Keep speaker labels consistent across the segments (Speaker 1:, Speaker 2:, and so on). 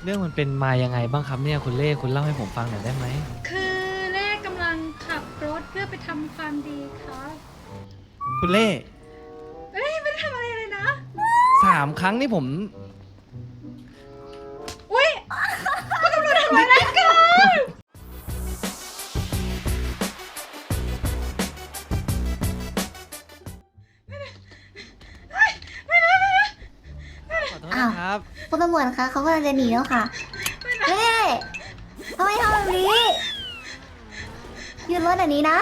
Speaker 1: เรื่องมันเป็นมายังไงบ้างครับเนี่ยคุณเล่คุณเล่าให้ผมฟังหน่อยได้ไหม
Speaker 2: คือเล่กำลังขับรถเพื่อไปทำความดีครับ
Speaker 1: คุณเล่
Speaker 2: เอ้ยไม่ได้ทำอะไรเลยนะ
Speaker 1: 3 ครั้งนี่ผม
Speaker 2: อุ้ยคุณตำรวจทำอะไรกัน
Speaker 1: ขอโทษนะครับ
Speaker 3: คุณตำรวจคะเขากำลังจะหนีแล้วค่ะเฮ้ยทำไมทำแบบนี้ยืนรถแบบนี้นะ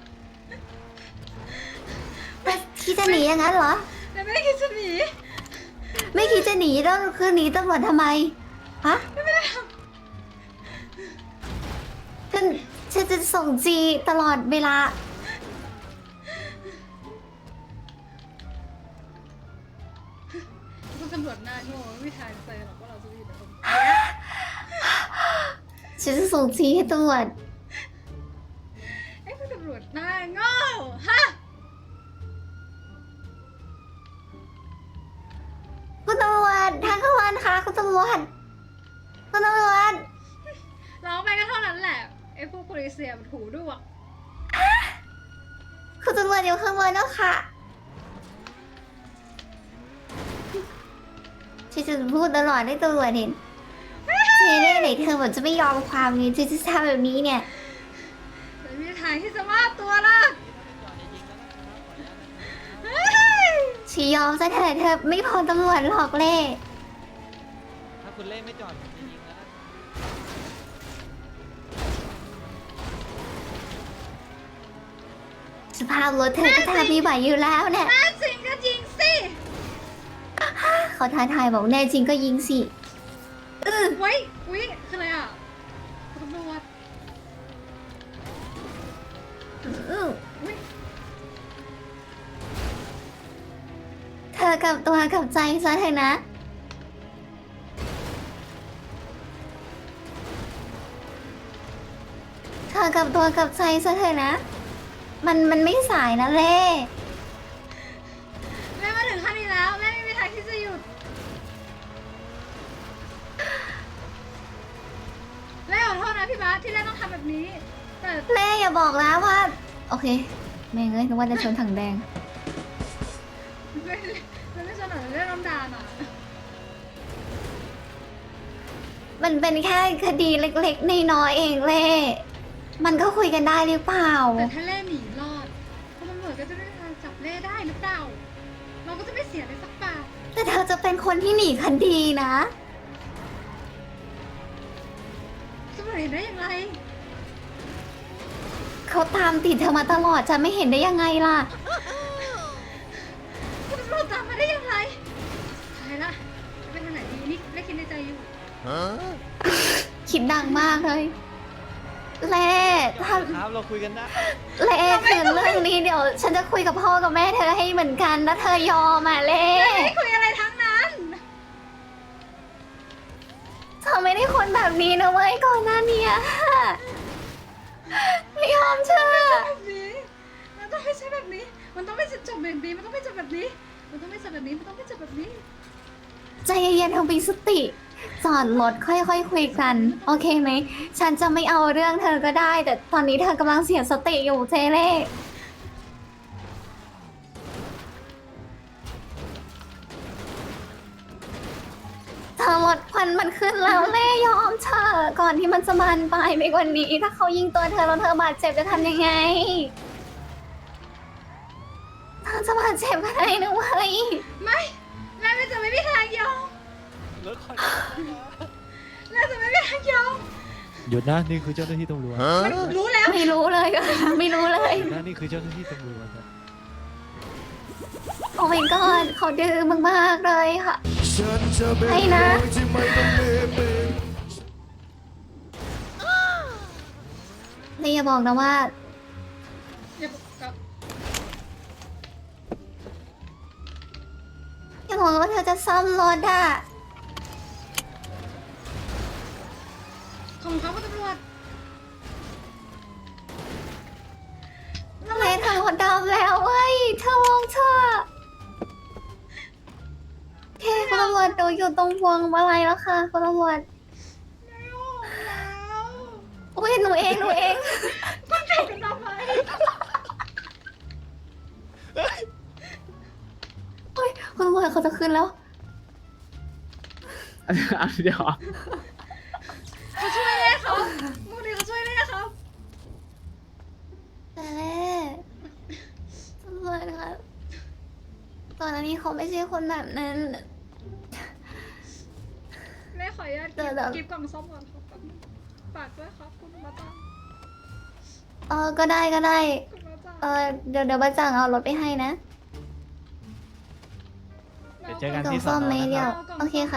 Speaker 3: คิดจะหนีอย่างนั้นเหรอ
Speaker 2: แต่ไม่ได้คิดจะหนี
Speaker 3: ไม่คิดจะหนีแล้วคือหนีตำรวจทำไมฮะ
Speaker 2: ไม่ได้ท
Speaker 3: ฉันจะส่งจีตลอดเวลา
Speaker 2: ำคุณตำรวจหน้าโง่ไม่มีทางเจอหรอกว่าเราจะอยู่ในคน
Speaker 3: ฉันจะส่งจีให้ตำรวจ
Speaker 2: ไอ้คุณตำรวจหน้าโง่ฮะ
Speaker 3: คุณตำรวจทางเข้าวันค่ะคุณตำรวจคุณตำรวจ
Speaker 2: ร้องไปก็เท่านั้นแหละไอ้พวกโพลิเซียมันหูด้วย
Speaker 3: คุณตำรวจอยู่ข้างบนแล้วค่ะฉันจะพูดตลอดให้ตำรวจเห็นเจเล่ไหนเธอบอกจะไม่ยอมความนี้จะทำแบบนี้เนี่ย
Speaker 2: ไม่มีทางที่จะมอบตัวล่ะ
Speaker 3: ชียอมซะเถอะเธอไม่พอตำรวจหรอกเล่
Speaker 1: ถ้าคุณเล่ไม่จอดผมจะยิงแล้วนะ
Speaker 3: สภาพรถเธอก็ทำไม่ไหวอยู่แล้วเนี่ย
Speaker 2: แน่จริงก็ยิงสิ
Speaker 3: เขาท้าทายบอกแน่จริงก็ยิงสิ
Speaker 2: ไว้อุ๊ยคืออะไรอ่ะตำรวจอุ๊ย
Speaker 3: เธอกับตัวกับใจซะเถอะนะเธอกับตัวกับใจซะเถอะนะมันไม่สายนะเล่
Speaker 2: แม่มาถึงขั้นนี้แล้วแม่ไม่มีทางที่จะหยุดแม่ขอโทษนะพี่บาสที่แม่ต้องทำแบบนี้แต่
Speaker 3: เล่อย่าบอกนะว่าโอเคแม่งเอ้ยนึกว่าจะชนถังแดง
Speaker 2: ไม่ชนหน่อยเรื่องน้ำดาหน่อย
Speaker 3: มันเป็นแค่คดีเล็กๆน้อยๆเองเล่มันก็คุยกันได้หรือเปล่า
Speaker 2: แต่ถ้าเล่หนีรอดคุณตำรวจก็จะไม่มีทางจับเล่ได้หรือเปล่าเราก็จะไม่เสียเลยสักบาท
Speaker 3: แต่เธอจะเป็นคนที่หนีคดีนะ
Speaker 2: ตำรวจเห็นได้ยังไง
Speaker 3: เขาตามติดเธอมาตลอดจะไม่เห็นได้ยังไงล่ะ
Speaker 2: คุณตำรวจตามมาได้ยังไงตายละจะเป็นทางไหนดีนี่เล่คิดในใจอยู่
Speaker 3: คิดดังมากเลยเล่
Speaker 1: ครับเราคุยกันได้
Speaker 3: เล่คือเรื่องนี้เดี๋ยวฉันจะคุยกับพ่อกับแม่เธอให้เหมือนกันแล้วเธอยอมอ่ะเล่
Speaker 2: ไม่คุยอะไรทั้งนั้น
Speaker 3: เธอไม่ได้คนแบบนี้นะเว้ยก่อนหน้านี้ไม่ยอมเชื่อ
Speaker 2: แบบนี้มันต้องไม่ใช่แบบนี้มันต้องไม่จบแบบนี้มันต้องไม่จบแบบนี้มันต้องไม่จบแบบนี้มันต้องไม่จบแบบนี้
Speaker 3: ใจเย็นๆทำมีสติจอดรถค่อยๆคุยกันโอเคไหมฉันจะไม่เอาเรื่องเธอก็ได้แต่ตอนนี้เธอกำลังเสียสติอยู่เจเล่เธอรถควันมันขึ้นแล้วเล่ยอมเธอก่อนที่มันจะบานปลายไปกว่านี้ถ้าเขายิงตัวเธอแล้วเธอบาดเจ็บจะทำยังไงเธอจะบาดเจ็บก็ได้นะเว้ย
Speaker 2: ไม่แม่จะไม่มีทางยอม
Speaker 1: รถคอย
Speaker 2: แม่จะไม่มีทางยอม
Speaker 1: หยุดนะนี่คือเจ้าหน้าที่ตำรวจ
Speaker 2: รู้แล้ว
Speaker 3: ไม่รู้เลยไม่รู้เลย
Speaker 1: นะนี่คือเจ้าหน้าที่ตำรวจ
Speaker 3: โอ้ my god เขาดื้อมากๆเลยค่ะให้นะนี่อย่าบอกนะว่าอย่าบอกว่าเธอจะซ่อมรถอ่ะ
Speaker 2: ของเขาคุณตำรวจ
Speaker 3: ทำไมเธอรถดำแล้วเว้ยเธอมองเธอโอเคคุณตำรวจดูอยู่ตรงพวงมาลัยแล้วค่ะคุณตำรวจอุ้ยหนูเองหนูเอง
Speaker 2: คุณจับกันทำไม
Speaker 3: อุ้ยคุณตำรวจเขาจะขึ้นแล้ว
Speaker 4: เดี๋ยว
Speaker 2: เขาช่วยเล่เขามูดีเขาช่วยเล่ครับ
Speaker 3: แต่แรกตำรวจครับก่อนหน้านี้เขาไม่ใช่คนแบบนั้น
Speaker 2: เล่ขออนุญาต
Speaker 3: เดี๋ยว
Speaker 2: กิฟกล่องซ่อมก่อนครับฝากด้วยครับคุณมาตัง
Speaker 3: ก็ได้ก็ได้
Speaker 2: คุณมาตัง
Speaker 3: เดี๋ยวบ้าจังเอารถไปให้นะ
Speaker 1: เดี๋ยวเจอกัน
Speaker 3: กล่อง
Speaker 1: ที่ส
Speaker 3: ซ่
Speaker 1: อ
Speaker 3: อม
Speaker 1: น
Speaker 3: ไหม
Speaker 1: นะ
Speaker 3: เดี๋
Speaker 1: ค
Speaker 3: ยว
Speaker 1: รับ
Speaker 3: โอเคค่ะ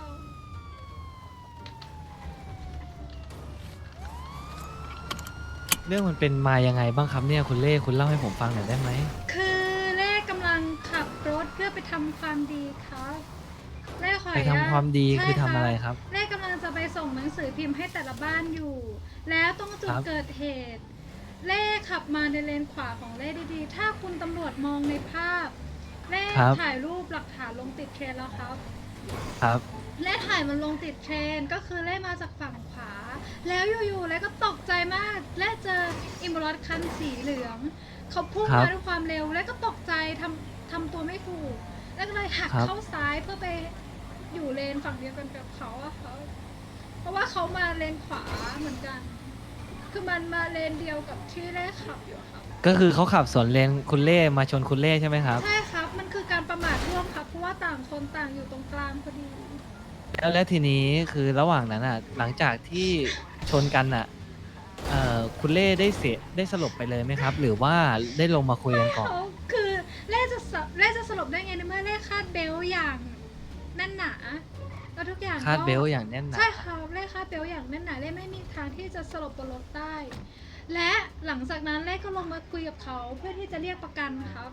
Speaker 1: เรื่องมันเป็นมายังไงบ้างครับเนี่ยคุณเล่คุณเล่าให้ผมฟังหน่อยได้ไหม
Speaker 2: คือเล่กำลังขับรถเพื่อไปทำความดีครับเล่ขออ
Speaker 1: ไป
Speaker 2: นุญาต
Speaker 1: ทำความดี
Speaker 2: ใช่
Speaker 1: คือทำอะไรครับ
Speaker 2: เล่กำลังจะไปส่งหนังสือพิมพ์ให้แต่ละบ้านอยู่ แล้วตรงจุด
Speaker 1: ครับ
Speaker 2: เกิดเหตุ เล่ขับมาในเลนขวาของเล่ดีๆ ถ้าคุณตำรวจมองในภาพ เล่ถ่ายรูปหลักฐานลงติดเทรนแล้วครับ
Speaker 1: ครับ
Speaker 2: เล่ถ่ายมันลงติดเทรนก็คือเล่มาจากฝั่งขวา แล้วอยู่ๆเล่ก็ตกใจมากเล่เจออิมบลอสคันสีเหลือง เขาพุ่ง
Speaker 1: ครับ
Speaker 2: มาด้วยความเร็วเล่ก็ตกใจทำตัวไม่ถูก แล้วก็เลยหัก
Speaker 1: ครับ
Speaker 2: เข้าซ้ายเพื่อไปอยู่เลนฝั่งเดียวกันกับเขาอะเขาเพราะว่าเขามาเลนขวาเหมือนกัน คือมันมาเลนเดียวกับที่เล่ขับอยู่อะครับ
Speaker 1: ก็คือเขาขับสวนเลนคุณเล่มาชนคุณเล่ใช่ไหมครับ
Speaker 2: ใช่ครับ มันคือการประมาทร่วมครับ เพราะว่าต่างคนต่างอยู่ตรงกลางพอดี
Speaker 1: แล้วทีนี้คือระหว่างนั้นอ่ะ หลังจากที่ชนกันอ่ะคุณเล่ได้สลบไปเลยไหมครับ หรือว่าได้ลงมาคุยกันก่อน
Speaker 2: เขาคือเล่จะสลบได้ไงในเมื่อเล่คาดเบลต์อย่างแน่นหนาแล้วทุกอย่าง
Speaker 1: คาด
Speaker 2: ก็
Speaker 1: เบลต์อย่างแน่นหนา
Speaker 2: ใช่ค่ะเล่คาดเบลต์อย่างแน่นหนาเล่ไม่มีทางที่จะสลบบนรถได้ และหลังจากนั้นเล่ก็ลงมาคุยกับเขาเพื่อที่จะเรียกประกันครับ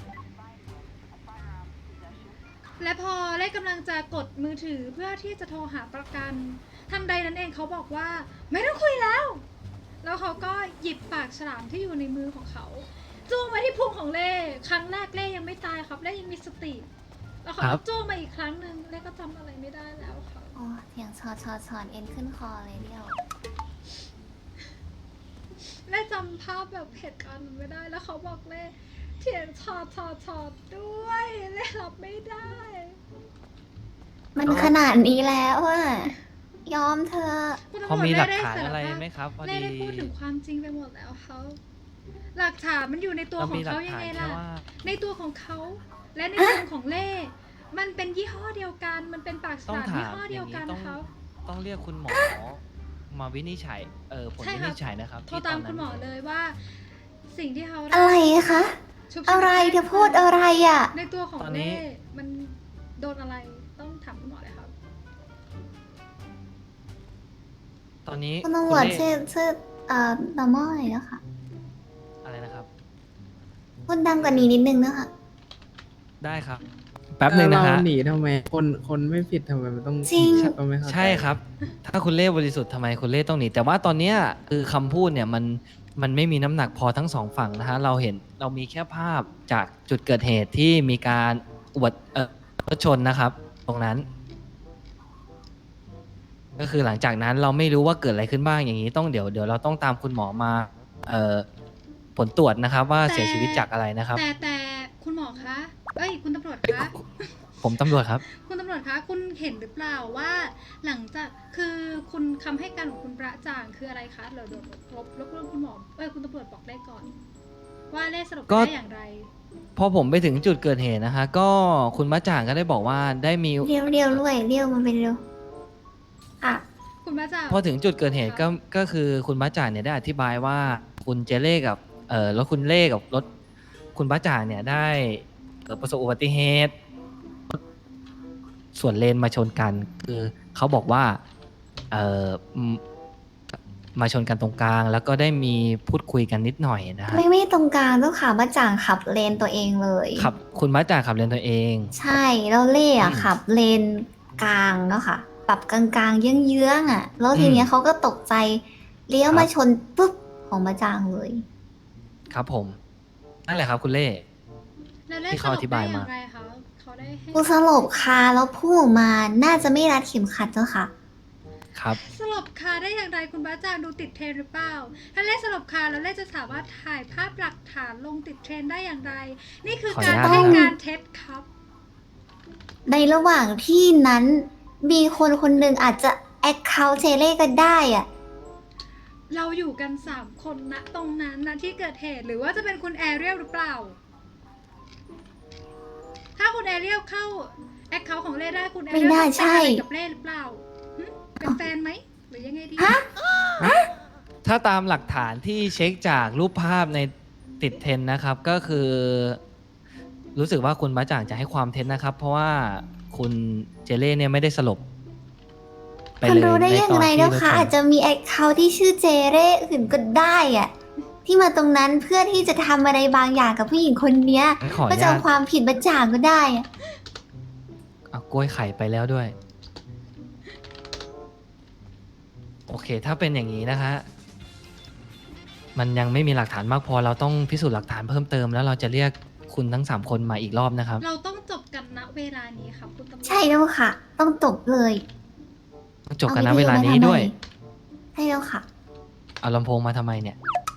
Speaker 2: และพอเล่กำลังจะกดมือถือเพื่อที่จะโทรหาประกันทันใดนั้นเองเขาบอกว่าไม่ต้องคุยแล้ว แล้วเขาก็หยิบปากฉลามที่อยู่ในมือของเขาจ้วงมาที่พุงของเล่ครั้งแรกเล่ยังไม่ตายครับเล่ยังมีสติ แล้วเขา
Speaker 1: ครั
Speaker 2: ก็
Speaker 1: บ
Speaker 2: จ้วงมาอีกครั้งหนึ่งเล่ก็จำอะไรไม่ได้แล้วครับ
Speaker 3: โอ้เสียงชอดเอ็นขึ้นคอเลยเดียว
Speaker 2: เล่จำภาพแบบเหตุการณ์มันไม่ได้แล้วเขาบอกเล่เถียงชอดด้วยเล่รับไม่ได้
Speaker 3: มันขนาดนี้แล้วอะยอมเธอะ
Speaker 2: คุณตำรวจ
Speaker 1: พอมีหลัก
Speaker 2: เด้
Speaker 1: ฐาน
Speaker 2: ส
Speaker 1: อะไร
Speaker 2: ภพ
Speaker 1: ไหมครับพอ
Speaker 2: เล่
Speaker 1: ดี
Speaker 2: ได้พูดถึงความจริงไปหมดแล้วเขาหลักฐานมันอยู่ในตัว
Speaker 1: เรา
Speaker 2: ของ
Speaker 1: มีหลัก
Speaker 2: เขายัง
Speaker 1: ฐาน
Speaker 2: ไง
Speaker 1: แค่
Speaker 2: ล่ะ
Speaker 1: ว่า
Speaker 2: ในตัวของเขาและในตัวของเล่ มันเป็นยี่ห้อเดียวกัน มันเป็นปากฉ
Speaker 1: ต้อง
Speaker 2: ลาม
Speaker 1: ถาม
Speaker 2: ยี่ห้อเดียวกัน
Speaker 1: อย่างนี้
Speaker 2: เขา
Speaker 1: ต้องเรียกคุณหมอมาวินิจฉัยผล
Speaker 2: ใช่
Speaker 1: วิ
Speaker 2: ค่ะ
Speaker 1: นิจฉัยนะครับ
Speaker 2: โทร
Speaker 1: ที่ต
Speaker 2: ตา
Speaker 1: อ
Speaker 2: ม
Speaker 1: นนั้
Speaker 2: คุ
Speaker 1: น
Speaker 2: ณหมอเลยว่า สิ่งที่เขา
Speaker 3: อะไรคะ
Speaker 2: ชุบชีวิต
Speaker 3: อะไรเธอพูดอะไรอะ
Speaker 2: ในตัวของ
Speaker 1: ตอนนี้
Speaker 2: เล่มันโดนอะไรต้องถามคุณหมอเลยครับ
Speaker 1: ตอนนี้
Speaker 3: คุณตำรวจ
Speaker 1: เล่
Speaker 3: ชื่อnormal หน่อยนะคะ
Speaker 1: อะไรนะครับ
Speaker 3: พูดดังกว่านี้นิดนึงนะคะ
Speaker 1: ได้ครับ แป๊บหนึ่งนะฮะ
Speaker 4: เราหนีทำไมคนไม่ผิดทำไมมันต้อง
Speaker 3: จริง
Speaker 4: ก็ไม่เข้าจ
Speaker 1: ใช่ครับ ถ้าคุณเล่บริสุทธิ์ทำไมคุณเล่ต้องหนีแต่ว่าตอนเนี้ยคือคำพูดเนี่ยมันไม่มีน้ำหนักพอทั้งสองฝั่งนะฮะเรามีแค่ภาพจากจุดเกิดเหตุที่มีการอุบัติรถชนนะครับ ตรงนั้น ก็คือหลังจากนั้นเราไม่รู้ว่าเกิดอะไรขึ้นบ้างอย่างนี้ต้องเดี๋ยวเราต้องตามคุณหมอมาผลตรวจนะครับ ว่าเสียชีวิตจากอะไรนะครับ
Speaker 2: แต่คุณหมอคะเอ้ยคุณตำรวจคะ
Speaker 1: ผมตำรวจครับ
Speaker 2: คุณตำรวจคะคุณเห็นหรือเปล่าว่า หลังจากคือคุณคำให้การของคุณประจ่างคืออะไรคะเดี๋ยวรบกวนคุณหมอคุณตำรวจบอกได้ก่อน ว่าเล่สรุป
Speaker 1: ก็
Speaker 2: ได้อย่างไร
Speaker 1: พอผมไปถึงจุดเกิดเหตุนะคะ ก็คุณมะจ่างก็ได้บอกว่าได้มี
Speaker 3: เรียวด้วยเรียวมันเป็นเรียวอ่ะ
Speaker 2: คุณประจ่าง
Speaker 1: พอถึงจุดเกิดเหตุก็คือคุณบ้าจ่างเนี่ยได้อธิบายว่าคุณเจเล่กับรถคุณเล่กับรถคุณบ้าจ่างเนี่ยได้ประสบอุบัติเหตุส่วนเลนมาชนกัน คือเขาบอกว่าเอ่อมมาชนกันตรงกลาง แล้วก็ได้มีพูดคุยกันนิดหน่อยนะฮะ
Speaker 3: ไม่ตรงกลางเจ้าขาบ้าจ่างขับเลนตัวเองเลย
Speaker 1: ขับคุณบ้าจ่างขับเลนตัวเอง
Speaker 3: ใช่แล้วเล่อะ
Speaker 1: อืม
Speaker 3: ขับเลนกลางเนาะค่ะปรับกลางๆเยื้องๆอะแล้วทีเนี้ยเขาก็ตกใจเลี้ยวมาชนปุ๊บของบ้าจ่างเลย
Speaker 1: ครับผมนั่นแหละครับคุณเล่
Speaker 2: แล้วเล่
Speaker 1: ที่
Speaker 2: ส
Speaker 1: เขา
Speaker 2: รุ
Speaker 1: อ
Speaker 2: ป
Speaker 1: ธิ
Speaker 2: ได้
Speaker 1: บาย
Speaker 2: อย่า
Speaker 1: มา
Speaker 2: งไรคะเขาได้ให้
Speaker 3: กูสลบคาแล้วพุ่งออกมาน่าจะไม่รัดเข็มขัดเจ้าค่ะ
Speaker 1: ครับ
Speaker 2: สลบคาได้อย่างไรคุณบ้าจางดูติดเทรนด์หรือเปล่า ถ้าเล่สลบคาแล้วเล่จะสามารถถ่ายภาพหลักฐานลงติดเทรนด์ได้อย่างไร นี่คือการ
Speaker 1: ขออนุญาต
Speaker 2: ให้
Speaker 1: นะครับ
Speaker 2: การเท็จครับ
Speaker 3: ในระหว่างที่นั้นมีคนคนหนึ่งอาจจะแอคเคาท์เจเล่ก็ได้อะ
Speaker 2: เราอยู่กัน3คนณตรงนั้นณที่เกิดเหตุหรือว่าจะเป็นคุณแอเรียลหรือเปล่า ถ้าคุณแอเรียลเข้าแอคเคาท์ของเล่ได้คุณแอ
Speaker 3: ไม่
Speaker 2: เรียล
Speaker 3: น่า
Speaker 2: ต้อง
Speaker 3: ใช่
Speaker 2: เป็นอะไรกับเล่หรือเปล่าหึเป็นแฟนไหมหรือยังไงดี
Speaker 3: ฮะ
Speaker 1: ถ้าตามหลักฐานที่เช็คจากรูปภาพในติดเทรนด์นะครับ ก็คือ รู้สึกว่าคุณบ้าจ่างจะให้ความเท็จนะครับ เพราะว่าคุณเจเล่เนี่ยไม่ได้สลบไป
Speaker 3: คุณ
Speaker 1: เลย
Speaker 3: รู้ได้
Speaker 1: ใน
Speaker 3: ยัง
Speaker 1: ตอน
Speaker 3: ไง
Speaker 1: ที่
Speaker 3: เนาะ
Speaker 1: รถ
Speaker 3: คะ
Speaker 1: ชน
Speaker 3: อาจจะมีแอคเคาท์ที่ชื่อเจเร่อื่นก็ได้อะที่มาตรงนั้นเพื่อที่จะทำอะไรบางอย่างกับผู้หญิงคนเนี้ย
Speaker 1: งั้นขออ
Speaker 3: ก็
Speaker 1: นุ
Speaker 3: จะ
Speaker 1: ญา
Speaker 3: เอา
Speaker 1: ต
Speaker 3: ความผิดมาจ่างก็ได้อะ
Speaker 1: เอากล้วยไข่ไปแล้วด้วย โอเค ถ้าเป็นอย่างนี้นะคะ มันยังไม่มีหลักฐานมากพอเราต้องพิสูจน์หลักฐานเพิ่มเติมแล้วเราจะเรียกคุณทั้ง3คนมาอีกรอบนะครับ
Speaker 2: เราต้องจบกันณเวลานี้ครับคุณตำรวจ
Speaker 3: ใช่แล้วค่ะ ต้องจบเลย
Speaker 1: ต้องจบกันนะเวลานี้ด้วย
Speaker 3: ใช่แล้วค่ะ
Speaker 1: เอาลำโพงมาทำไมเนี่ย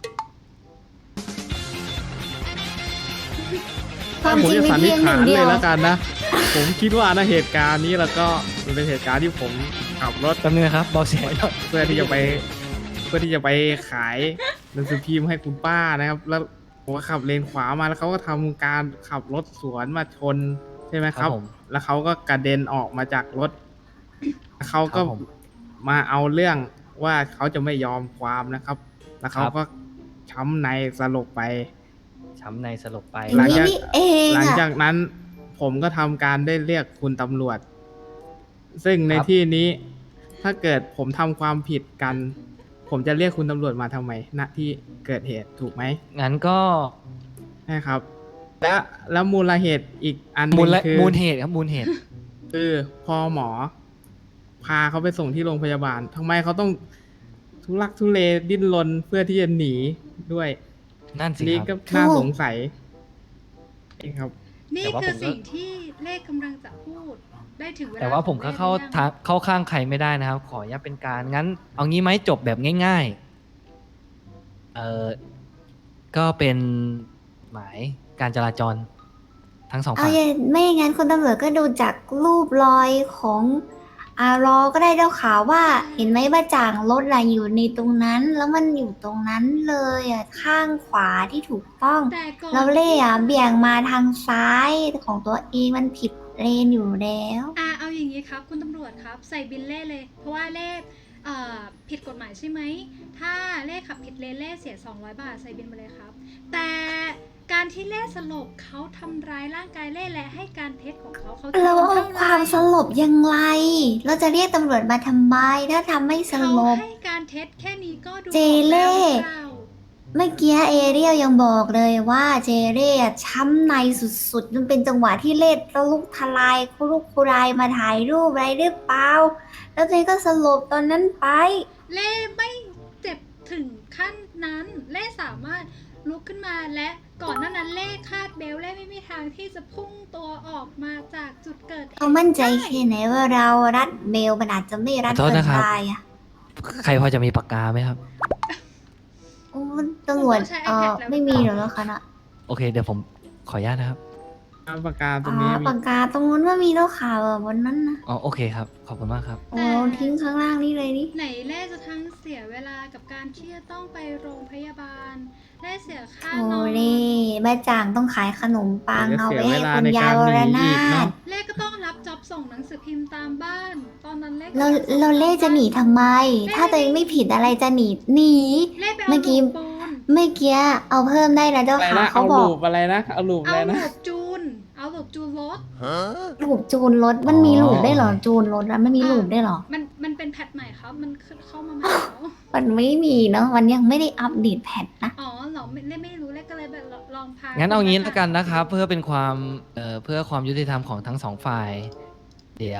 Speaker 3: ความ
Speaker 4: ผม
Speaker 3: จริง
Speaker 4: จะ
Speaker 3: มี
Speaker 4: สันนิ
Speaker 3: เพี
Speaker 4: ษ
Speaker 3: ยงห
Speaker 4: ฐา
Speaker 3: นึ่
Speaker 4: น
Speaker 3: งเดี
Speaker 4: เลย
Speaker 3: ยว
Speaker 4: แล้วกันนะ ผมคิดว่านะเหตุการณ์นี้แล้วก็มันเป็นเหตุการณ์ที่ผมขับรถ
Speaker 1: แป๊บนึงนะครับเบาเสียงหน่อย
Speaker 4: เพื่อที่จะไปขายหนังสือพิมพ์ให้คุณป้านะครับ แล้วผมก็ขับเลนขวามาแล้วเขาก็ทำการขับรถสวนมาชนใช่ไหมครับ
Speaker 1: ผม
Speaker 4: แล้วเขาก็กระเด็นออกมาจากรถแล้วเขาก็
Speaker 1: ครับผม
Speaker 4: มาเอาเรื่องว่าเขาจะไม่ยอมความนะครับ แล้วเขา
Speaker 1: ครับ
Speaker 4: ก็ช้ำในสลบไป
Speaker 1: ช้ำในสลบไป
Speaker 3: อย่างนี้นี่เอง
Speaker 4: หลัง
Speaker 3: อะ
Speaker 4: จากนั้นผมก็ทำการได้เรียกคุณตำรวจ ซึ่งใน
Speaker 1: ครับ
Speaker 4: ที่นี้ถ้าเกิดผมทำความผิดกัน ผมจะเรียกคุณตำรวจมาทำไมณที่เกิดเหตุถูกไหม
Speaker 1: งั้นก็
Speaker 4: ใช่ครับ แล้วมูลเหตุอีกอันหนึ
Speaker 1: มู
Speaker 4: ง
Speaker 1: ล
Speaker 4: คือ
Speaker 1: มูลเหตุครับมูลเหตุ
Speaker 4: คือพอหมอ พาเขาไปส่งที่โรงพยาบาลทำไมเขาต้องทุลักทุเลดิ้นรนเพื่อที่จะหนีด้วย
Speaker 1: นั่นสิ
Speaker 4: นี่
Speaker 1: ค
Speaker 4: ก็
Speaker 1: รับ
Speaker 4: น่าสงสัยเองครับ
Speaker 2: นี่
Speaker 1: แต่ว่า
Speaker 2: คือ
Speaker 1: ผมก็
Speaker 2: สิ่งที่เลขกำลังจะพูดได้ถึงเวลา
Speaker 1: แต่ว่าผมก็
Speaker 2: ของลขหรือยัง
Speaker 1: เข้าข้างใครไม่ได้นะครับ ขออนุญาตเป็นการงั้น เอางี้ไหมจบแบบง่ายๆก็เป็นหมายการจราจรทั้งสอง
Speaker 3: เอา
Speaker 1: ฝั่ง
Speaker 3: อย่างไม่อย่างนั้นคุณตำรวจก็ดูจากรูปรอยของอารอก็ได้เจ้าข่าวว่า เห็นไหมว่าจ่างรถอะอยู่ในตรงนั้น แล้วมันอยู่ตรงนั้นเลยอะข้างขวาที่ถูกต้อง
Speaker 2: แต่ก่อน
Speaker 3: เราเล่อะเบี่ยงมาทางซ้ายของตัวเองมันผิดเลนอยู่แล้ว
Speaker 2: เอาอย่างนี้ครับคุณตำรวจครับใส่บินเล่เลย เพราะว่าเล่ผิดกฎหมายใช่ไหม ถ้าเล่ขับผิดเลนเล่เสีย200 บาทใส่บินมาเลยครับ แต่การที่เล่สลบเขาทำร้ายร่างกายเล่และให้การเท็จของเขาเขา
Speaker 3: เรา
Speaker 2: โดน
Speaker 3: เอา
Speaker 2: เท่าไห
Speaker 3: ค
Speaker 2: ร่
Speaker 3: วามสลบยังไง เราจะเรียกตำรวจมาทำไมถ้าทำไม่ส
Speaker 2: เขา
Speaker 3: ลบ
Speaker 2: ให้การเท็จแค่นี้ก็ดู
Speaker 3: เจเล่
Speaker 2: ออกแล้วหรือเปล่า
Speaker 3: เมื่อกี้เอเรียลยังบอกเลยว่าเจเร่อะช้ำในสุดๆมันเป็นจังหวะที่เล่แล้วลุกทลายคุรุกคุรายมาถ่ายรูปอะไรหรือเปล่า แล้วเจก็สลบตอนนั้นไป
Speaker 2: เล่ไม่เจ็บถึงขั้นนั้น เล่สามารถลุกขึ้นมาและก่อนหน้านั้นเล่คาดเบลต์เล่ไม่มีทางที่จะพุ่งตัวออกมาจากจุดเกิดเหตุ
Speaker 3: เขามั่นใจแค่ไหนว่าเรารัดเบลมันอาจจะไม่รัด
Speaker 1: ขอโทษ
Speaker 3: เกิน
Speaker 1: นะครับ
Speaker 3: ไปอะ
Speaker 1: ใครพอจะมีปากกาไหมครับ
Speaker 3: โอ้ตำรวจไม่มีหรอกแล้วคะน่ะ
Speaker 1: โอเค เดี๋ยวผมขออนุญาตนะครับ
Speaker 4: ปากกาตร
Speaker 3: อ๋
Speaker 4: ง
Speaker 3: อ
Speaker 4: นี้มี
Speaker 3: ปากกาตรงนู้นว่ามีแล้วข่าวอะบนนั้นนะ
Speaker 1: อ๋อโอเคครับ ขอบคุณมากครับ
Speaker 3: โอ้ทิ้งข้างล่างนี่เลยนี่
Speaker 2: ไหนเล่จะทั้งเสียเวลากับการที่จะต้องไปโรงพยาบาลเล่เสียค่า
Speaker 3: โอ้
Speaker 2: นอน
Speaker 3: เล่แม่จางต้องขายขนมปัง
Speaker 4: เดี๋ยว
Speaker 3: เอา
Speaker 4: เสีย
Speaker 3: ไว้
Speaker 4: เว
Speaker 3: ให้
Speaker 4: ลา
Speaker 3: คุณ
Speaker 4: ใน
Speaker 3: ยาย
Speaker 4: การ
Speaker 3: ว
Speaker 4: ห
Speaker 3: ร
Speaker 4: นี
Speaker 3: นา
Speaker 4: อีก
Speaker 3: ถ
Speaker 4: เนาะ
Speaker 2: เล่ก็ต้องรับจ็อบส่งหนังสือพิมพ์ตามบ้าน ตอนนั้นเล่
Speaker 3: เราเล่จะหนีทำไม ถ้าตัวเองไม่ผิดอะไรจะหนี
Speaker 2: เล่ไป
Speaker 3: เมื่
Speaker 2: เอา
Speaker 3: อกี้
Speaker 2: ลูกปูน
Speaker 3: เมื่อกี้เอาเพิ่มได้นะเจ้า
Speaker 4: อะไร
Speaker 3: ค่ะ
Speaker 4: นะ
Speaker 3: เขา
Speaker 4: เอา
Speaker 3: บอ
Speaker 4: ลู
Speaker 3: ก
Speaker 4: ปอะไรนะเอาลูปอะ
Speaker 2: เอา
Speaker 4: ไร
Speaker 2: ลู
Speaker 4: นะ
Speaker 2: กจูน เอาลูกจูนรถ
Speaker 3: ลูปจูนรถมันมีลูปได้เหรอจูนรถอะไม่มีลูปได้เหรอ
Speaker 2: มันเป็นแพทใหม่ครับ มันเข้ามาใหม่แล้ว
Speaker 3: มันไม่มีเนาะมันยังไม่ได้อัปเดตแพทนะ
Speaker 2: อ๋อเหรอเล่ไม่รู้เล่ก็เลยแบบลองพา
Speaker 1: งั้
Speaker 2: งั้
Speaker 1: นเอางี้แล้วกันนะครับ เพื่อเป็นความเพื่อความยุติธรรมของทั้งสองฝ่าย เดี๋ยว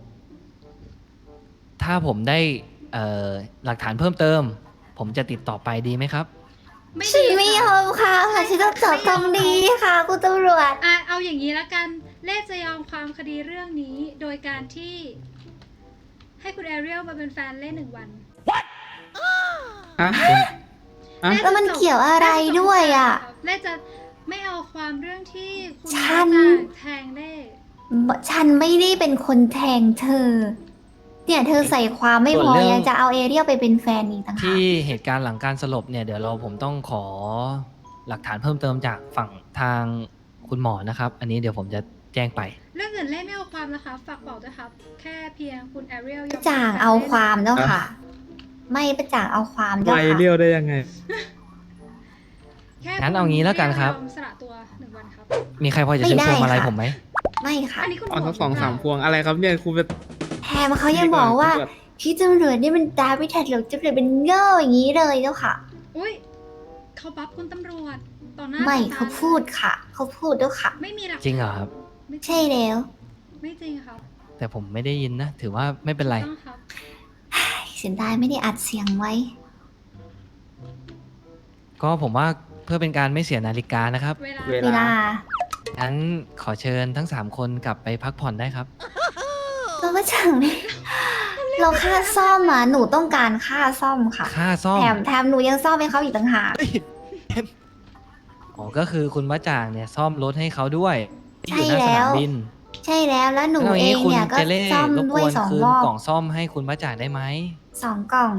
Speaker 1: ถ้าผมได้หลักฐานเพิ่มเติม ผมจะติดต่อไปดีไหมครับ
Speaker 3: ฉันไม่ยอมค่ะฉันต้องจับตรงนี้ค่ะคุณตำรวจ
Speaker 2: เอาอย่างนี้แล้วกัน เล่จะยอมความคดีเรื่องนี้ โดยการที่ ให้คุณแอเรียลมาเป็นแฟนเล่น1 วัน
Speaker 4: ฮะ อ่ะ
Speaker 3: แล้วมันเกี่ยวอะไรด้วยอ่ะ
Speaker 2: เล่จะไม่เอาความเรื่องที่คุณ
Speaker 3: ฉัน
Speaker 2: จะแทงเล่
Speaker 3: ฉันไม่ได้เป็นคนแทงเธอ เนี่ยเธอใส่ความไม่พอ
Speaker 1: ส่วนเรื่อง
Speaker 3: ยังจะเอาเอเรียลไปเป็นแฟนอีกต่างหาก
Speaker 1: ที่เหตุการณ์หลังการสลบเนี่ยเดี๋ยวผมต้องขอหลักฐานเพิ่มเติมจากฝั่งทางคุณหมอนะครับ อันนี้เดี๋ยวผมจะแจ้งไป
Speaker 2: เรื่องอื่นเล่ไม่เอาความนะคะ ฝากบอกด้วยครับ แค่เพียงคุณแอเรียลยอม
Speaker 3: จ่างเอาความเจ้าค่ะ ไม่ประจ่างเอาความเจ้า
Speaker 4: ไป
Speaker 3: ค่ะ
Speaker 4: เรียวได้ยังไง
Speaker 2: แค่
Speaker 1: งั้นเอางี้แล้วกันครับ
Speaker 2: ยอมสละตัว1 วันครับ
Speaker 1: มีใครพอจะซื้อพวงมาลัยผมไหม
Speaker 3: ไม่ค่ะ
Speaker 2: อันนี้คุณหม
Speaker 4: เอา
Speaker 2: อ
Speaker 4: ทั้ง2-3 พวงอะไรครับเนี่ยคุณไป
Speaker 3: แถมเขายังบอกว่าพี่ตำรวจนี่มันตาไม่ทันหรอกตำรวจเป็นโง่อย่างนี้เลยเจ้าค่ะ
Speaker 2: อุ้ยเขาบัฟคุณตำรวจต่อหน้า
Speaker 3: ไม่
Speaker 2: ต่อต
Speaker 3: เขาพูดค่ะ เขาพูดเจ้าค่ะ
Speaker 2: ไม่มีหลัก
Speaker 1: จริงเหรอครับ
Speaker 2: ไม่
Speaker 3: ใช่แล้ว
Speaker 2: ไม่จริงครับ
Speaker 1: แต่ผมไม่ได้ยินนะ ถือว่าไม่เป็นไร
Speaker 2: ต้องครับ
Speaker 3: เสียดายไม่ได้อัดเสียงไว้
Speaker 1: ก็ผมว่าเพื่อเป็นการไม่เสียนาฬิกานะครับ
Speaker 2: เวลา
Speaker 4: เว
Speaker 3: เวลา
Speaker 1: งั้นขอเชิญทั้ง 3 คนกลับไปพักผ่อนได้ครับ
Speaker 3: เราไม่จังเลยเราค่าซ่อมอ่ะหนูต้องการค่าซ่อมค่ะ
Speaker 1: ค่าซ่อม
Speaker 3: แถมหนูยังซ่อมให้เขาอีกต่างหาก
Speaker 1: อ๋อก็คือคุณมะจ่างเนี่ยซ่อมรถให้เขาด้วยที่อยู่หน้า
Speaker 3: ใช่
Speaker 1: ส
Speaker 3: แล้
Speaker 1: นาม
Speaker 3: ว
Speaker 1: บิน
Speaker 3: ใช่แล้วแล้วหนู
Speaker 1: แล้ว
Speaker 3: เองเนี่ย
Speaker 1: คุ
Speaker 3: ก็
Speaker 1: ณเจเล่
Speaker 3: ซ่อม
Speaker 1: รบ
Speaker 3: ด้
Speaker 1: ก
Speaker 3: วย
Speaker 1: วน
Speaker 3: 2
Speaker 1: คืน
Speaker 3: รอบ
Speaker 1: กล่องซ่อมให้คุณมะจ่างได้ไหม
Speaker 3: 2 กล่อง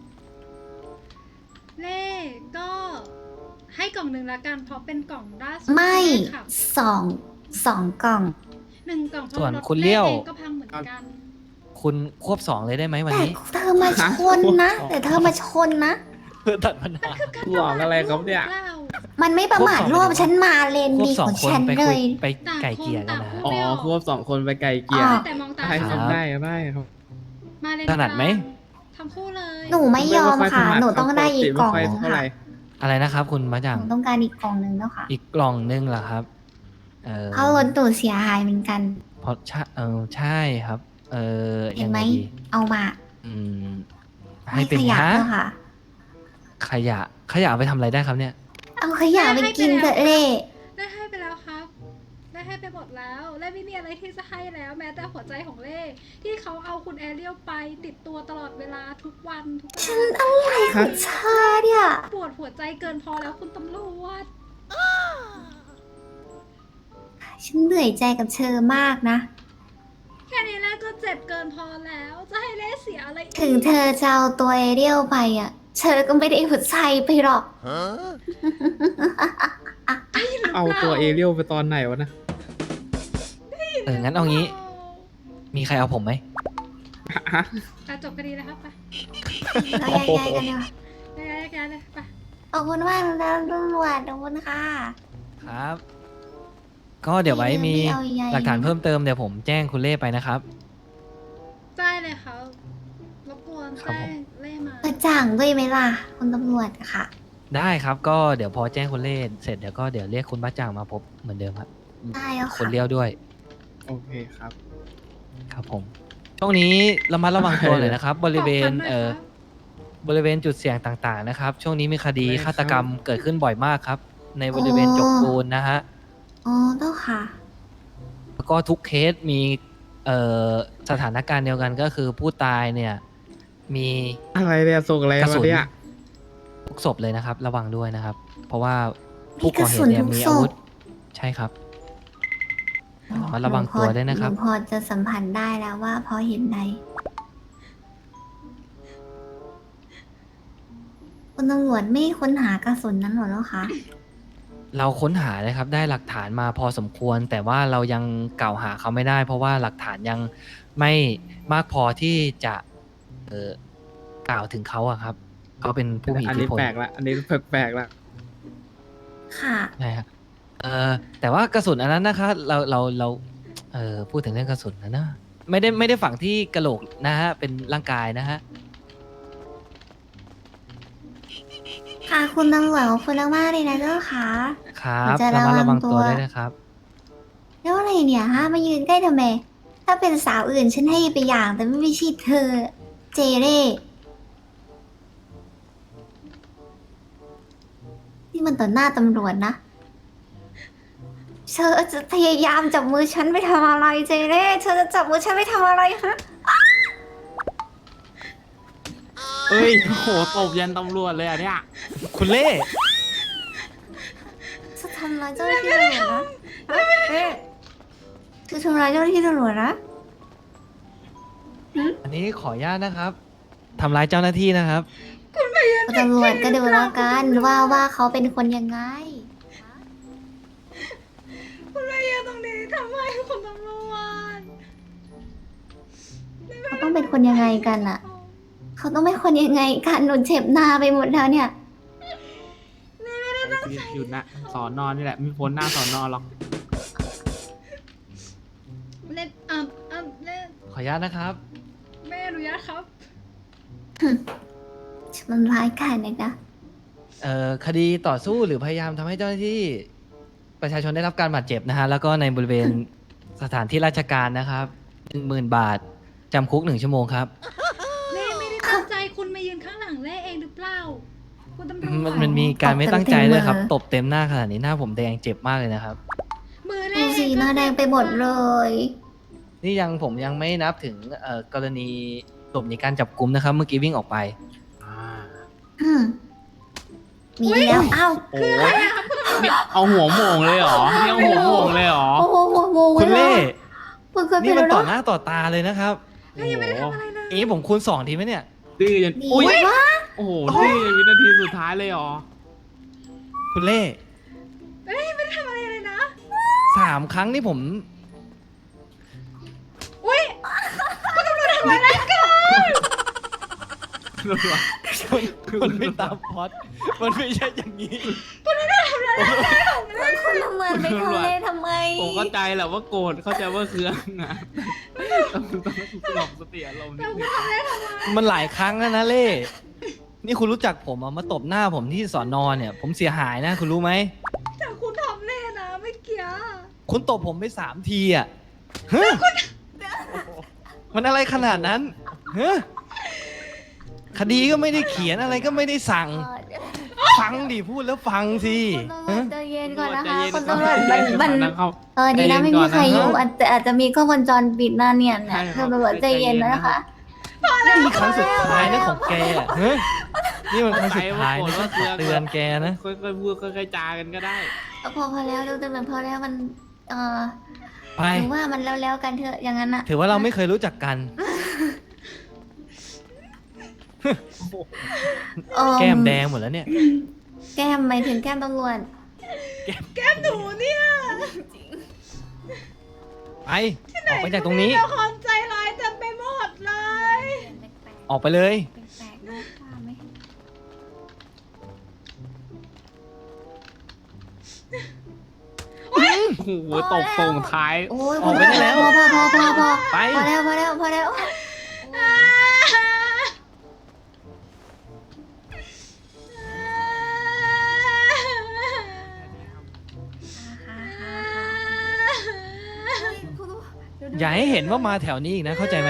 Speaker 2: เล่ก็ให้กล่องหนึ่งละกันเพราะเป็นกล่องล่าสุด
Speaker 3: ไม่
Speaker 2: ที่ขับ
Speaker 3: 2 กล่อง
Speaker 2: 1 กล่องเพราะ
Speaker 1: ส่วน
Speaker 2: รถ
Speaker 1: คุณเลี้ยว
Speaker 2: เองก็พังเหมือนกัน
Speaker 1: คุณควบ2เลยได้ไหมวัน
Speaker 3: แต่
Speaker 1: นี้
Speaker 3: เธอมาชนนะ แต่เธอมาชนนะ
Speaker 1: เพื่อตัดปัญหา
Speaker 4: หลอกอะไรครับเนี่ย
Speaker 2: เล่า
Speaker 3: มันไม่ประมาท
Speaker 1: ควบ
Speaker 3: ร่วม
Speaker 1: สอง
Speaker 3: ฉันมาเลน
Speaker 1: ควบ
Speaker 3: ดี
Speaker 1: สอ
Speaker 3: ข
Speaker 1: ง
Speaker 3: อง
Speaker 1: คน
Speaker 3: ฉัน
Speaker 1: ไป
Speaker 3: เล
Speaker 1: คุย
Speaker 3: ย
Speaker 1: ไปไก่เกลี่ยกันนะฮะ
Speaker 4: อ๋อควบ2 คนไปไกลเกลี่ย
Speaker 3: อ๋อ
Speaker 2: แต่มองตา
Speaker 4: ได้
Speaker 2: เขา
Speaker 4: ครับ
Speaker 1: ครับ
Speaker 4: ได้ครับ
Speaker 2: มาเลน
Speaker 1: ถนัดไหม
Speaker 2: ทั้งคู่เลย
Speaker 3: หนูไม่ยอมค่ะ หนูต้องได้อีกกล่อง
Speaker 4: ไม่
Speaker 3: ห
Speaker 4: ค่
Speaker 3: นึ
Speaker 4: ย
Speaker 3: ง
Speaker 4: เท่าไห
Speaker 3: ค่ะ
Speaker 4: ร่
Speaker 1: อะไรนะครับ คุณมะ
Speaker 3: ห
Speaker 1: จ่าง
Speaker 3: นูต้องการอีกกล่องหนึงแล้วค่ะ
Speaker 1: อีกกล่องนึงเหรอครับ
Speaker 3: เพราะรถหนูเสียหายเหมือนกัน
Speaker 1: เพราะใช่ใช่ครับ
Speaker 3: เห็
Speaker 1: ยั
Speaker 3: น
Speaker 1: ง
Speaker 3: ไหม
Speaker 1: ไงดี
Speaker 3: เอามา
Speaker 1: อืมให้เป็น
Speaker 3: ขยะ
Speaker 1: ฮะ
Speaker 3: แล้วค่ะ
Speaker 1: ขยะเอาไปทำอะไรได้ครับเนี่ย
Speaker 3: เอาขยะไปกินเถอะเล่
Speaker 2: ได้ให้ไปแล้วครับ ได้ให้ไปหมดแล้ว และไม่มีอะไรที่จะให้แล้ว แม้แต่หัวใจของเล่ที่เขาเอาคุณแอเรียลไปติดตัวตลอดเวลาทุกวันทุก
Speaker 3: ฉั
Speaker 2: วัน น
Speaker 3: อะไรของเธอเนี่ย
Speaker 2: ปวดหัวใจเกินพอแล้วคุณตำรวจ
Speaker 3: ฉันเหนื่อยใจกับเธอมากนะ
Speaker 2: แค่นี้แล่ก็เจ็บเกินพอแล้ว จะให้เล่เสียอะไรอีก
Speaker 3: ถึงเธอจะเอาตัวเอเรียลไปอ่ะ เธอก็ไม่ได้หัวใจไปหรอก
Speaker 4: เอาตัวเอเรียลไปตอนไหนวะนะ
Speaker 1: งั้นเอางี้ มีใครเอาผมไหม
Speaker 4: ฮะ
Speaker 2: ไปจบคดีแล้วครับไป
Speaker 3: เราแยกย้ายกันเนาะ
Speaker 2: แยกๆเลยไป
Speaker 3: ขอบคุณมากนะตำรวจขอบคุณค่ะ
Speaker 1: ครับ ก็เดี๋ยวไว้มี
Speaker 3: ไม่เอาใหญ่
Speaker 1: หลักฐานเพิ่มเติมเดี๋ยวผมแจ้งคุณเล่ไปนะครับ
Speaker 2: ได้เลยครับรบกวน
Speaker 1: ครับ
Speaker 2: แจ้
Speaker 1: ผม
Speaker 2: งเล่มา
Speaker 3: กระจ่างด้วยไหมล่ะ คุณตำรวจค่ะ
Speaker 1: ได้ครับก็เดี๋ยวพอแจ้งคุณเล่เสร็จเดี๋ยวก็เดี๋ยวเรียกคุณบ้าจ่างมาพบเหมือนเดิมครับ
Speaker 3: ได้แล้ว
Speaker 1: คุ
Speaker 3: ค่ะ
Speaker 1: ณเลี้ยวด้วย
Speaker 4: โอเคครับ
Speaker 1: ครับผมช่วงนี้ระมัดระวังตัวเลยนะครับ บริเวณ
Speaker 2: ขอบคุณนะคะ
Speaker 1: บริเวณจุดเสี่ยงต่างๆนะครับ ช่วงนี้มีคดี
Speaker 4: ได้ครับ
Speaker 1: ฆาตกรรมเกิดขึ้นบ่อยมากครับ ในบริเวณจกปูนนะฮะ
Speaker 3: อ๋อต้องค่ะ
Speaker 1: แล้วก็ทุกเคสมีสถานการณ์เดียวกันก็คือผู้ตายเนี่ยมี
Speaker 4: อะไรเนี่ยส่งอะไร
Speaker 1: กระสุ
Speaker 4: มาน เนี่ย
Speaker 1: ทุกศพเลยนะครับ ระวังด้วยนะครับ เพราะว่า
Speaker 3: มี
Speaker 1: ผู้
Speaker 3: ก
Speaker 1: ก่อ
Speaker 3: ระ
Speaker 1: เห
Speaker 3: สุ
Speaker 1: ตุ
Speaker 3: น
Speaker 1: เนี่ย
Speaker 3: ทุก
Speaker 1: มี
Speaker 3: ศ
Speaker 1: อาวุ
Speaker 3: พ
Speaker 1: ธใช่ครับ ระมัดระวังตัวด้วยนะครับ
Speaker 3: หพอจะสัมผัสได้แล้วว่าพอเห็นใดคุณตำรวจไม่ค้นหากระสุนนั้นหรอแล้วคะ
Speaker 1: เราค้นหาเลยครับได้หลักฐานมาพอสมควร แต่ว่าเรายังกล่าวหาเขาไม่ได้ เพราะว่าหลักฐานยังไม่มากพอที่จะกล่าวถึงเขาอะครับเขาเป็นผู้มี
Speaker 4: อั
Speaker 1: อิ
Speaker 4: น
Speaker 1: ทธิ
Speaker 4: นี้
Speaker 1: พล
Speaker 4: แปลกละอันนี้แปลกละ
Speaker 3: ค่ะ
Speaker 1: ใช่ครับแต่ว่ากระสุนอันนั้นนะคะเราพูดถึงเรื่องกระสุนนะไม่ได้ฝังที่กระโหลกนะฮะเป็นร่างกายนะฮะ
Speaker 3: ค่ะคุณตำรวจขอบคุณมากๆเลยนะเจ้าค่ะ
Speaker 1: ครับ
Speaker 3: จะ
Speaker 1: ระมัดระวัง
Speaker 3: ระวังตั
Speaker 1: ตัว
Speaker 3: ว
Speaker 1: ด้วยนะครับ
Speaker 3: แล้วอะไรเนี่ยฮะมายืนใกล้ทำไม ถ้าเป็นสาวอื่นฉันให้ไปอย่าง แต่ไม่ใช่เธอ เจเร่นี่มันต่อหน้าตำรวจนะ เธอจะพยายามจับมือฉันไปทำอะไรเจเร่เธอจะจับมือฉันไปทำอะไรฮะ
Speaker 4: ฮ้ยโอ้โหตบยันตำรวจเลยอ่ะเนี่ย
Speaker 1: คุณเล่
Speaker 3: จะทำร้ายเจ้าหน้าที่ตำรวจนะเอ๊ะจะทำร้ายเจ้าหน้าที่ตำรวจนะ
Speaker 1: อันนี้ขออนุญาตนะครับทำร้ายเจ้าหน้าที่นะครับ
Speaker 3: ตำรวจก็ดูแล้วกันว่าเขาเป็นคนยังไง
Speaker 2: คุณมายืนตรงนี้ทำไมคุณตำรวจ
Speaker 3: เขาต้องเป็นคนยังไงกันอะเขาต้องเป็นคนยังไงกันหนูเจ็บหน้าไปหมดแล้วเนี่ย
Speaker 4: อยู่นะสอนอนนี่แหละไม่พ้นหน้าสอนอนหรอก
Speaker 2: เล่นเล่น
Speaker 1: ขออนุญาตนะครับ
Speaker 2: ไม่อนุญาตครับ
Speaker 3: มันร้ายกาจเลยนะ
Speaker 1: คดีต่อสู้หรือพยายามทำให้เจ้าหน้าที่ประชาชนได้รับการบาดเจ็บนะฮะแล้วก็ในบริเวณ สถานที่ราชการนะครับ10,000 บาทจำคุก1 ชั่วโมงครับ
Speaker 2: เล่ไม่ได้ตั้งใจคุณมายืนข้างหลังเล่เองหรือเปล่า คุณตำรวจ
Speaker 1: มันมีการไม่ตั้งใจด้วยครับ
Speaker 3: ต
Speaker 1: ต
Speaker 3: บบ
Speaker 1: เต็มหน้าขนาดนี้หน้าผมแดงเจ็บมากเลยนะครับ
Speaker 2: มือ
Speaker 3: ดู
Speaker 2: เล่
Speaker 3: สีหน้าแดงไปหมดเลย
Speaker 1: นี่ผมยังไม่นับถึงกรณีหลบหนีการจับกุมนะครับ เมื่อกี้วิ่งออกไป
Speaker 3: อืมมีแล้วอ้าว
Speaker 4: โอ้นี่เอาหัวโหม่งเลยเหรอนี่เอาหัวโหม่งเลยเหรอ
Speaker 3: โอ้โหโมง
Speaker 1: คุณเล่
Speaker 3: มันเคยเป็
Speaker 1: นี่
Speaker 3: น
Speaker 1: มัน
Speaker 3: แล้ว
Speaker 1: ต่อ
Speaker 3: เนาะ
Speaker 1: หน้าต่อตาเลยนะครับ
Speaker 4: โอ้โห
Speaker 1: อย่างนี้ผมคูณ2ทีไหมเนี่ย
Speaker 4: ดื้อจน
Speaker 3: ดี
Speaker 4: อุ้ย
Speaker 3: ว่า
Speaker 4: โอ้โหดื้อจนวินาทีสุดท้ายเลยเหรอ
Speaker 1: คุณเล่
Speaker 2: เล่ไม่ได้ทำอะไรเลยนะ
Speaker 1: 3 ครั้งนี่ผม
Speaker 2: อุ้ยคุณตำรวจทำอะไรกัน
Speaker 1: มันไม่ตามพล็อดมันไม่ใช่อย่างนี้
Speaker 3: คุณละเมินไปทะเลทำไม
Speaker 4: ผมเข้าใจแหละว่าโกรธเข้าใจว่าเคืองนะต้องสงบสติอารมณ์นิดนึง
Speaker 1: มันหลายครั้งแล้วนะเล่ นี่คุณรู้จักผมมาตบหน้าผมที่สอนอเนี่ย ผมเสียหายนะ คุณรู้ไหม
Speaker 2: แต่คุณทำเล่นะไม่เกี่ยว
Speaker 1: คุณตบผมไป3 ทีอ่ะฮะมันอะไรขนาดนั้นฮะคดีก็ไม่ได้เขียนอะไรก็ไม่ได้สั่ง ฟังดิพูดแล้วฟังสิ
Speaker 3: คุณตำรว
Speaker 1: ฮะ
Speaker 3: จใจเย็นก่อนนะคะ
Speaker 4: ใจเย็
Speaker 3: คุณตำรวจ
Speaker 4: ใจ
Speaker 3: มัน
Speaker 4: เย็นะครับ
Speaker 3: ดีนะไม่มีใครอยู่อาจจะมีกล้องวงจรปิดหน้าเนี่ย
Speaker 4: ใช่ครับ
Speaker 3: คุณตำรวจใจเย็นนะคะ
Speaker 1: นี่ครั้งสุดท้ายนะของแกอะฮะนี่มันครั้งสุดท้ายนะฉันขอเตือนแกนะ
Speaker 4: ค่อยๆพูดค่อยๆจากันก็ได้
Speaker 3: พอแล้วดูตำรวจพอแล้วมัน
Speaker 1: ไป
Speaker 3: หรือว่ามันแล้วกันเถอะอย่างนั้นอะ
Speaker 1: ถือว่าเราไม่เคยรู้จักกัน แก้มแดงหมดแล้วเนี่ย
Speaker 3: แก้มหมายถึงแก้มตำรวจ
Speaker 2: แก้มหนูเนี่ย
Speaker 1: ไป ออกไปจากตรงนี้
Speaker 2: ละครใจร้ายเต็มไปหมดเลย
Speaker 1: ออกไปเลย
Speaker 3: แปลกๆนะว่าไหม
Speaker 4: โอ้โหตบส่งท้าย
Speaker 3: โอ้ย
Speaker 1: ออกไปได้แล้ว
Speaker 3: พอ
Speaker 1: ไป
Speaker 3: พอแล้ว
Speaker 1: อย่าให้เห็นว่ามาแถวนี้อีกนะ เข้าใจไหม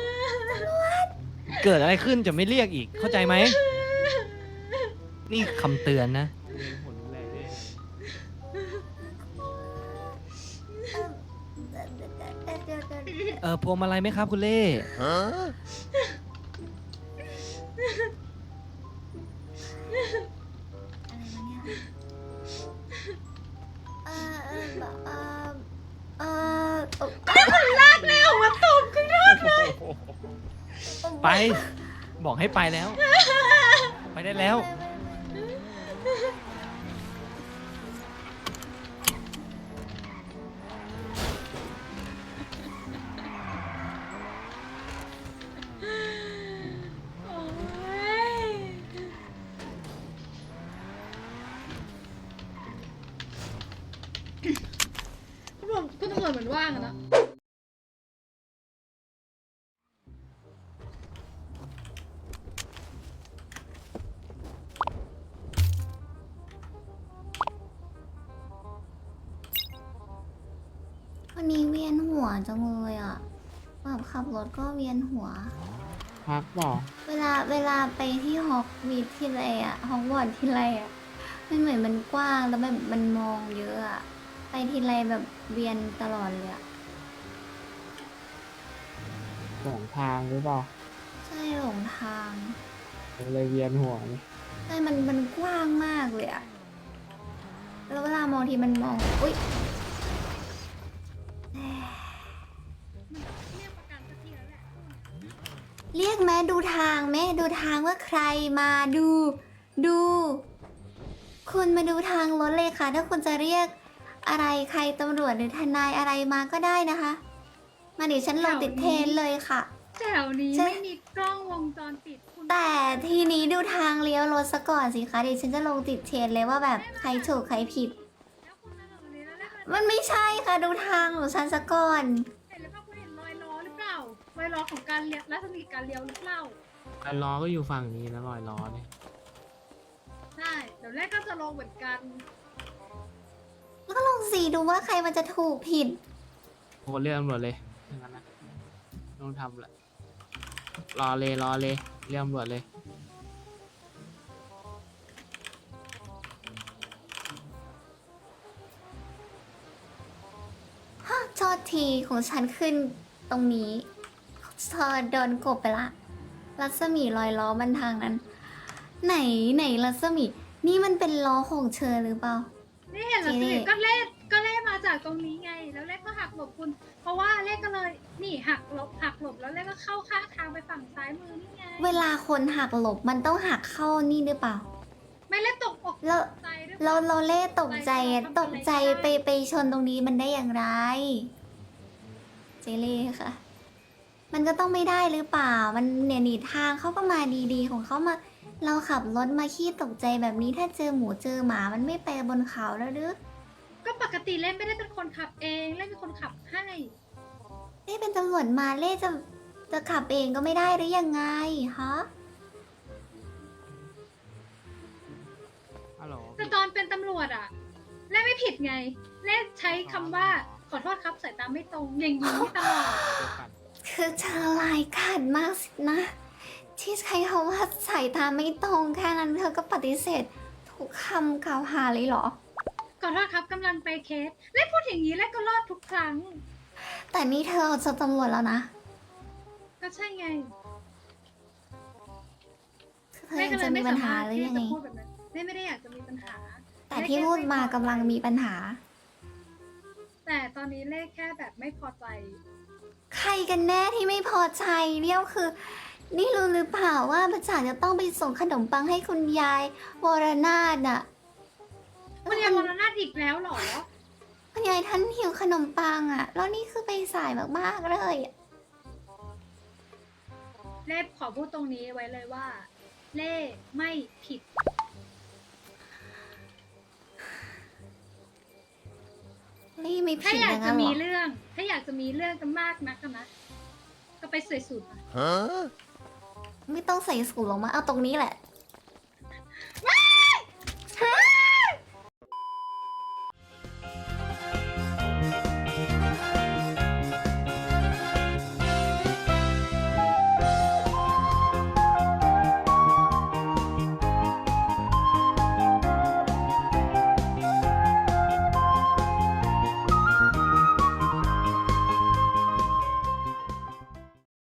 Speaker 1: เกิดอะไรขึ้นจะไม่เรียกอีก เข้าใจไหม นี่คำเตือนนะ พวงมาลัยไหมครับคุณเล่
Speaker 2: แนวมาตบขึ้นรถเลย
Speaker 1: ไป บอกให้ไปแล้ว ไปได้แล้ว
Speaker 2: โอ้ยคุณตำรวจเหมือนว่างอะนะ
Speaker 3: วันนี้เวียนหัวจังเลยอ่ะแบบขับรถก็เวียนหัว
Speaker 4: พักบอก
Speaker 3: เวลาไปที่ฮอกวีดที่ไรอ่ะฮอกวอตส์ที่ไรอ่ะมันเหมือนมันกว้างแล้วแบบมันมองเยอะอ่ะไปทีไรแบบเวียนตลอดเลยอ่ะ
Speaker 4: หลงทางหรือเปล่า
Speaker 3: ใช่หลงทาง
Speaker 4: เลยเวียนหัวนี่
Speaker 3: ใช่มันกว้างมากเลยอะแล้วเวลามองทีมันมอง อุ้ย
Speaker 2: มันต้องเรียกประกันสักทีแล้วแหละ
Speaker 3: เรียกแม่ดูทางแม่ดูทางว่าใครมาดู ดู คุณมาดูทางรถเลยค่ะ ถ้าคุณจะเรียกอะไรใครตำรวจหรือทนายอะไรมาก็ได้นะคะ มาเดี๋ยวฉันลงติดเทรนด์เลยค่ะ
Speaker 2: แถวนี้
Speaker 3: ใช่
Speaker 2: ไม่มีกล้องวงจรปิดคุณ
Speaker 3: แต่ทีนี้ดูทางเลี้ยวรถซะก่อนสิคะเดี๋ยวฉันจะลงติดเทรนด์เลยว่าแบบใครถูกใครผิด
Speaker 2: แล้วคุณมาแบบนี้แล้วได้
Speaker 3: มันไม่ใช่ค่ะดูทางของฉันซะก่อน
Speaker 2: เห็นหรือเปล่าคุณเห็นรอยล้อหรือเปล่ารอยล้อของการเลี้ยวรัศมีการเลี้ยวหรือเปล่า
Speaker 4: รอยล้อก็อยู่ฝั่งนี้นะรอยล้อเนี่ย
Speaker 2: ใช่เดี๋ยวแรกก็จะลงเหมือนกัน
Speaker 3: แล้วก็ลองสีดูว่าใครมันจะถูกผิด
Speaker 4: โอ้เรียกตำรวจเลยอย่างนั้นนะต้องทำแหละรอเลยเรียกตำรวจเลย
Speaker 3: ฮะโทษทีของฉันขึ้นตรงนี้เธอโดนกบไปละรัศมีรอยล้อมันทางนั้น ไหนรัศมีนี่มันเป็นล้อของเธอหรือเปล่า
Speaker 2: นี่เห็นแล้ว
Speaker 3: เจ๊
Speaker 2: สิก็เล่มาจากตรงนี้ไง แล้วเล่ก็หักหลบคุณ เพราะว่าเล่ก็เลยนี่หักหลบแล้วเล่ก็เข้าข้างทางไปฝั่งซ้ายมือนี่ไง
Speaker 3: เวลาคนหักหลบมันต้องหักเข้านี่หรือเปล่า
Speaker 2: ไม่เล่ตกอก
Speaker 3: แล้ว
Speaker 2: ใจด้วย
Speaker 3: เราเล่ตกใจอะตกใจไปชนตรงนี้มันได้อย่างไร เจเล่ค่ะ มันก็ต้องไม่ได้หรือเปล่า มันเนี่ยหนีทางเขาก็มาดีๆของเขามา เราขับรถมาขี้ตกใจแบบนี้ถ้าเจอหมูเจอหมามันไม่ไปบนเขาแล้วหรือ
Speaker 2: ก็ปกติเล่ไม่ได้เป็นคนขับเองเล่เป็นคนขับให้
Speaker 3: เล่เป็นตำรวจมาเล่จะขับเองก็ไม่ได้หรือยังไงฮะ
Speaker 4: ฮัลโหล
Speaker 2: แต่ตอนเป็นตำรวจอะเล่ไม่ผิดไง เล่ใช้คำว่าขอโทษครับสายตาไม่ตรงอย่างนี้ตลอด
Speaker 3: คือเธอลายขาดมากสินะ ที่ใช้คำว่าสายตาไม่ตรงแค่นั้นเธอก็ปฏิเสธทุกคำกล่าวหาเลยเหรอ
Speaker 2: ขอโทษครับกำลังไปเคสเล่พูดอย่างนี้เล่ก็รอดทุกครั้ง
Speaker 3: แต่นี่เธอเอาจะตำรวจแล้วนะ
Speaker 2: ก็ใช่ไง
Speaker 3: เธอยังจะมีปัญหาหรือยังไง
Speaker 2: ที่จะพูดแบบนั้นเล่ไม่ได้อยากจะมีปัญหา
Speaker 3: แต่ที่พูดมากำลังมีปัญหา
Speaker 2: แต่ตอนนี้เล่แค่แบบไม่พอใจ
Speaker 3: ใครกันแน่ที่ไม่พอใจเนี่ยคือ นี่รู้หรือเปล่าว่าประจ่างจะต้องไปส่งขนมปังให้คุณยายวรนาถน่ะ
Speaker 2: คุณยายวรนาถอีกแล้วเหรอ
Speaker 3: คุณยายท่านหิวขนมปังอ่ะ แล้วนี่คือไปสายมากๆเลยอะ
Speaker 2: เล่ขอพูดตรงนี้ไว้เลยว่า เล่ไม่ผิด
Speaker 3: นี่ไม่
Speaker 2: ถ้า
Speaker 3: ผิด
Speaker 2: อยาก
Speaker 3: นะ
Speaker 2: จะ
Speaker 3: งั้นเหร
Speaker 2: มี
Speaker 3: อ
Speaker 2: เรื่อง ถ้าอยากจะมีเรื่องกันมากนักอะนะ ก็ไปสวยสุดมา
Speaker 3: ไม่ต้องใส่สูทหรอกมาเอาตรงนี้แหละ
Speaker 2: ว้าย